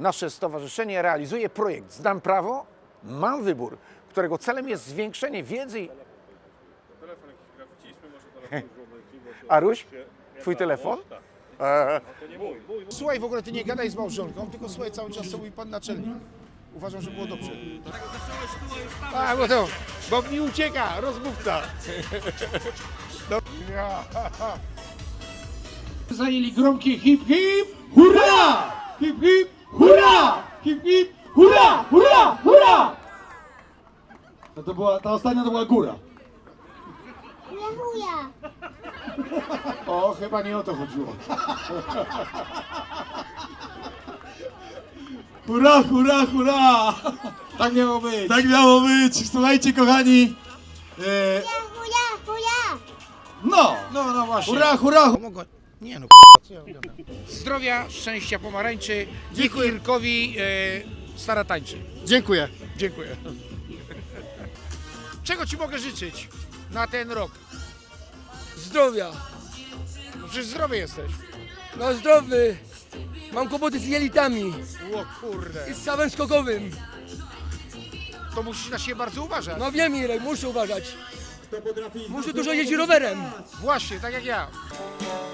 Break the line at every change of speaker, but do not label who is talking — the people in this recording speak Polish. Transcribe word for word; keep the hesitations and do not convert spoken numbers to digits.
Nasze stowarzyszenie realizuje projekt Znam prawo, mam wybór, którego celem jest zwiększenie wiedzy i...
Telefon jakiś graficzny, może telefon złożyć.
Aruś, twój telefon? Eee.
To nie mój, mój.
Słuchaj, w ogóle ty nie gadaj z małżonką, tylko słuchaj cały czas, co mówi pan naczelnik. Uważam, że było dobrze.
A, bo to, bo mi ucieka, rozmówca. No.
Zajęli gromkie hip hip, hurra! Hip hip, hurra! Hip hip, hurra! Hurra! Hurra! No to była, ta ostatnia to była góra.
Dziękuję.
O, chyba nie o to chodziło. Hurra, hurra, hurra! Tak miało być. Tak miało być. Słuchajcie, kochani. E,
Hurra, hurra.
no,
No, no właśnie.
hurra, hurra.
Mogę... Nie no, co ja gadam. Zdrowia, szczęścia, pomarańczy. Niech Irkowi e, stara tańczy.
Dziękuję.
Dziękuję. Czego ci mogę życzyć na ten rok?
Zdrowia.
No przecież zdrowy jesteś.
No zdrowy. Mam kłopoty z jelitami
O kurde.
i z stawem skokowym.
To musisz na siebie bardzo uważać.
No wiem Irek, muszę uważać. Muszę dużo jeździć rowerem.
Właśnie, tak jak ja.